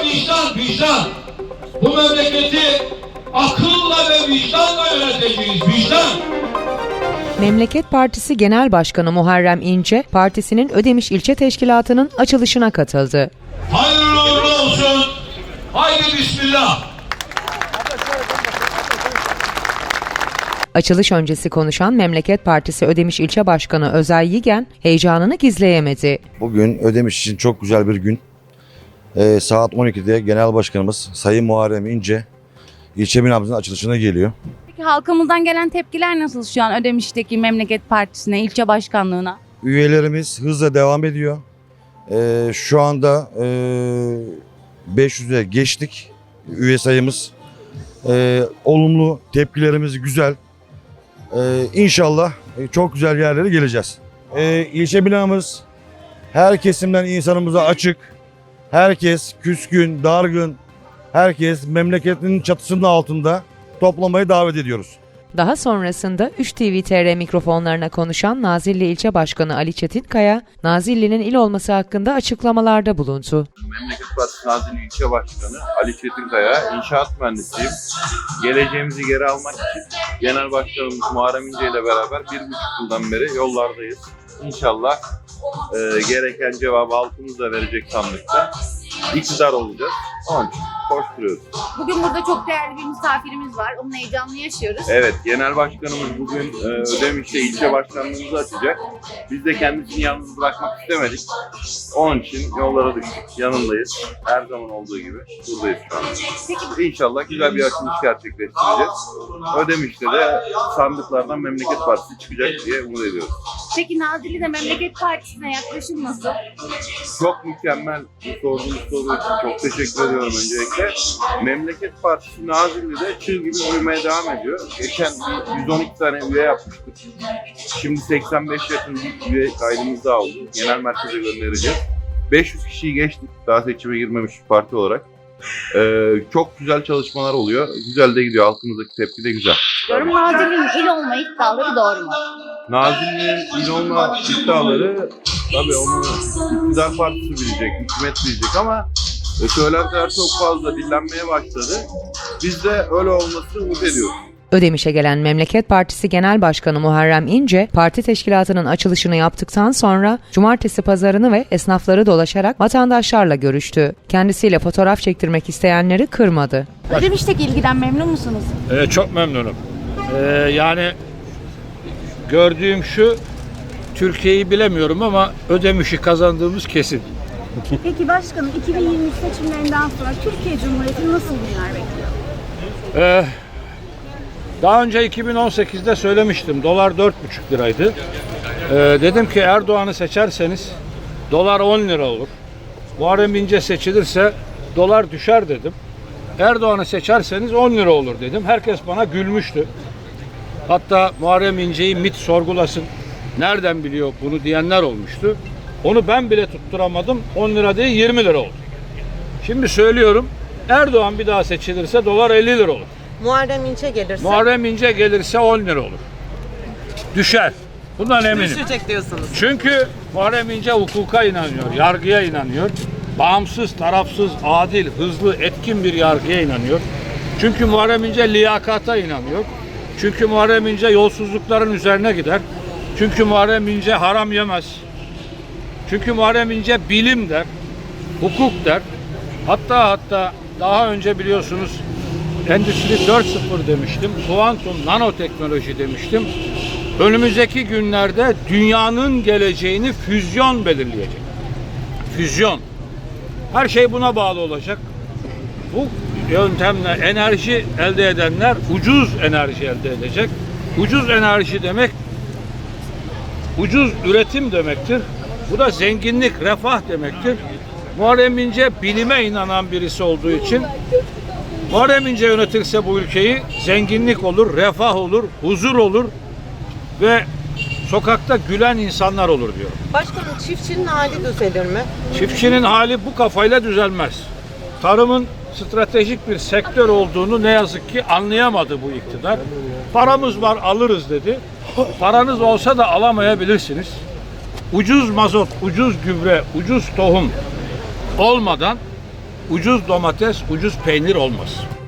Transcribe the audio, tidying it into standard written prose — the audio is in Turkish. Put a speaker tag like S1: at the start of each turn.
S1: vicdan, vicdan. Bu memleketi akılla ve vicdanla yöneteceğiz, vicdan.
S2: Memleket Partisi Genel Başkanı Muharrem İnce, partisinin Ödemiş İlçe Teşkilatı'nın açılışına katıldı.
S1: Hayırlı uğurlu olsun. Haydi bismillah.
S2: Açılış öncesi konuşan Memleket Partisi Ödemiş İlçe Başkanı Özay Yigen, heyecanını gizleyemedi.
S3: Bugün Ödemiş için çok güzel bir gün. Saat 12'de Genel Başkanımız Sayın Muharrem İnce ilçe binamızın açılışına geliyor.
S4: Peki halkımızdan gelen tepkiler nasıl şu an Ödemiş'teki Memleket Partisi'ne, ilçe başkanlığına?
S3: Üyelerimiz hızla devam ediyor. Şu anda 500'e geçtik üye sayımız. Olumlu tepkilerimiz güzel. İnşallah çok güzel yerlere geleceğiz. İlçe binamız her kesimden insanımıza açık. Herkes küskün, dargın, herkes memleketinin çatısının altında toplamayı davet ediyoruz.
S2: Daha sonrasında 3TV mikrofonlarına konuşan Nazilli İlçe Başkanı Ali Çetinkaya, Nazilli'nin il olması hakkında açıklamalarda bulundu.
S5: Memleket Partisi Nazilli İlçe Başkanı Ali Çetinkaya, inşaat mühendisiyim. Geleceğimizi geri almak için Genel Başkanımız Muharrem İnce ile beraber 1,5 yıldan beri yollardayız. İnşallah gereken cevabı halkımız da verecek sandıkta. İktidar olacağız. Onun için koşturuyoruz.
S4: Bugün burada çok değerli bir misafirimiz var. Onun heyecanını yaşıyoruz.
S5: Evet, Genel Başkanımız bugün Ödemiş'te ilçe başkanlığımızı açacak. Biz de kendisini yalnız bırakmak istemedik. Onun için yollara düştük. Yanındayız. Her zaman olduğu gibi buradayız şu an. İnşallah güzel bir açılış gerçekleştireceğiz. Ödemiş'te de sandıklardan Memleket Partisi çıkacak diye umut ediyoruz.
S4: Peki Nazilli'de Memleket Partisi'ne yaklaşım nasıl?
S5: Çok mükemmel sorduğunuz soru için çok teşekkür ediyorum öncelikle. Memleket Partisi Nazilli'de çığ gibi büyümeye devam ediyor. Geçen bir 112 tane üye yapmıştık. Şimdi 85 yakın bir üye kaydımız daha oldu. Genel merkeze göndereceğiz. 500 kişiyi geçtik daha seçime girmemiş bir parti olarak. Çok güzel çalışmalar oluyor. Güzel de gidiyor. Halkımızdaki tepki de güzel.
S4: Diyorum Nazilli'nin il olma iddiaları doğru mu?
S5: Nazilli'nin il olma iddiaları tabii onu iktidar partisi bilecek, hükümet bilecek ama söylentiler çok fazla dillenmeye başladı. Biz de öyle olmasını umut ediyoruz.
S2: Ödemiş'e gelen Memleket Partisi Genel Başkanı Muharrem İnce, parti teşkilatının açılışını yaptıktan sonra cumartesi pazarını ve esnafları dolaşarak vatandaşlarla görüştü. Kendisiyle fotoğraf çektirmek isteyenleri kırmadı.
S4: Ödemiş'teki ilgiden memnun musunuz?
S6: Çok memnunum. Yani gördüğüm şu, Türkiye'yi bilemiyorum ama Ödemiş'i kazandığımız kesin.
S7: Peki başkanım 2023 seçimlerinden sonra Türkiye Cumhuriyeti nasıl günler bekliyor?
S6: Daha önce 2018'de söylemiştim. Dolar 4,5 liraydı. Dedim ki Erdoğan'ı seçerseniz dolar 10 lira olur. Muharrem İnce seçilirse dolar düşer dedim. Erdoğan'ı seçerseniz 10 lira olur dedim. Herkes bana gülmüştü. Hatta Muharrem İnce'yi MİT sorgulasın. Nereden biliyor bunu diyenler olmuştu. Onu ben bile tutturamadım. 10 lira değil 20 lira oldu. Şimdi söylüyorum. Erdoğan bir daha seçilirse dolar 50 lira olur.
S8: Muharrem İnce gelirse?
S6: Muharrem İnce gelirse 10 lira olur. Düşer. Bundan eminim.
S8: Düşecek diyorsunuz.
S6: Çünkü Muharrem İnce hukuka inanıyor, yargıya inanıyor. Bağımsız, tarafsız, adil, hızlı, etkin bir yargıya inanıyor. Çünkü Muharrem İnce liyakata inanıyor. Çünkü Muharrem İnce yolsuzlukların üzerine gider. Çünkü Muharrem İnce haram yemez. Çünkü Muharrem İnce bilim der, hukuk der. Hatta daha önce biliyorsunuz Endüstri 4.0 demiştim, kuantum nanoteknoloji demiştim. Önümüzdeki günlerde dünyanın geleceğini füzyon belirleyecek. Füzyon. Her şey buna bağlı olacak. Bu yöntemle enerji elde edenler ucuz enerji elde edecek. Ucuz enerji demek ucuz üretim demektir. Bu da zenginlik, refah demektir. Muharrem İnce bilime inanan birisi olduğu için Muharrem İnce yönetirse bu ülkeyi zenginlik olur, refah olur, huzur olur ve sokakta gülen insanlar olur diyor.
S8: Başkanım çiftçinin hali düzelir mi?
S6: Çiftçinin hali bu kafayla düzelmez. Tarımın stratejik bir sektör olduğunu ne yazık ki anlayamadı bu iktidar. Paramız var alırız dedi. Paranız olsa da alamayabilirsiniz. Ucuz mazot, ucuz gübre, ucuz tohum olmadan ucuz domates, ucuz peynir olmaz.